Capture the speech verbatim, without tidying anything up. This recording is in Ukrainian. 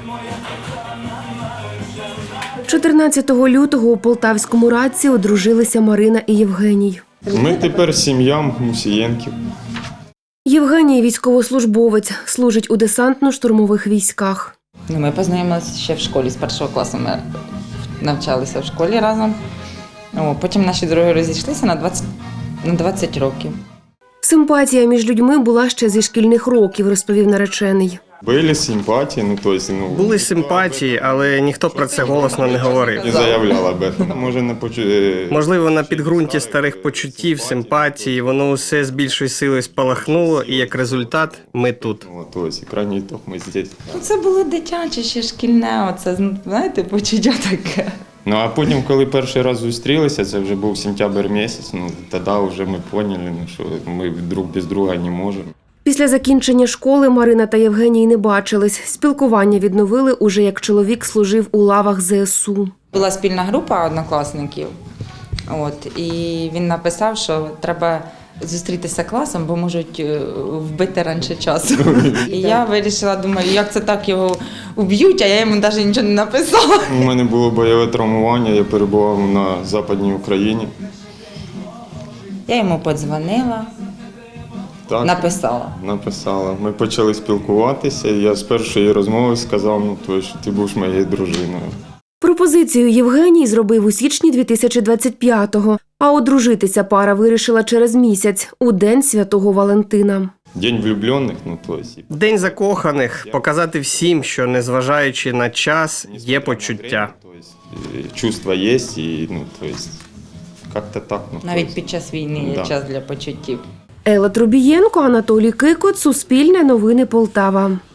чотирнадцятого лютого у Полтавському Радці одружилися Марина і Євгеній. Ми тепер сім'я Мусієнків. Євгеній – військовослужбовець, служить у десантно-штурмових військах. Ну, ми познайомилися ще в школі, з першого класу ми навчалися в школі разом. О, потім наші дороги розійшлися на двадцять, на двадцять років. Симпатія між людьми була ще зі шкільних років, розповів наречений. Були симпатії, ну, тобто, ну... Були симпатії, але ніхто про це голосно не говорив. Не заявляла об этом. Може, не почу... Можливо, на підґрунті старих почуттів, симпатії, воно усе з більшою силою спалахнуло, і як результат ми тут. Ну, тобто, крайній ітог ми здесь. Ну, це було дитяче, ще шкільне, оце, знаєте, почуття таке. Ну, а потім, коли перший раз зустрілися, це вже був сентябрь місяць, ну, тоді вже ми поняли, ну, що ми друг без друга не можемо. Після закінчення школи Марина та Євгеній не бачились. Спілкування відновили уже як чоловік служив у лавах зе ес у. Була спільна група однокласників, от, і він написав, що треба зустрітися класом, бо можуть е, вбити раніше часу. І я вирішила, думаю, як це так його вб'ють, а я йому навіть нічого не написала. У мене було бойове травмування, я перебував на Западній Україні. Я йому подзвонила, Так, написала. написала. Ми почали спілкуватися, і я з першої розмови сказав, ну, то, що ти будеш моєю дружиною. Пропозицію Євгеній зробив у січні дві тисячі двадцять п'ятого, а одружитися пара вирішила через місяць, у День Святого Валентина. День влюблених, ну, то есть... День закоханих – показати всім, що незважаючи на час, є почуття. То есть, э, чувства є, і, ну, то есть, як-то так. Ну, то Навіть есть, під час війни є да. час для почуттів. Елла Трубієнко, Анатолій Кикот, Суспільне новини Полтава.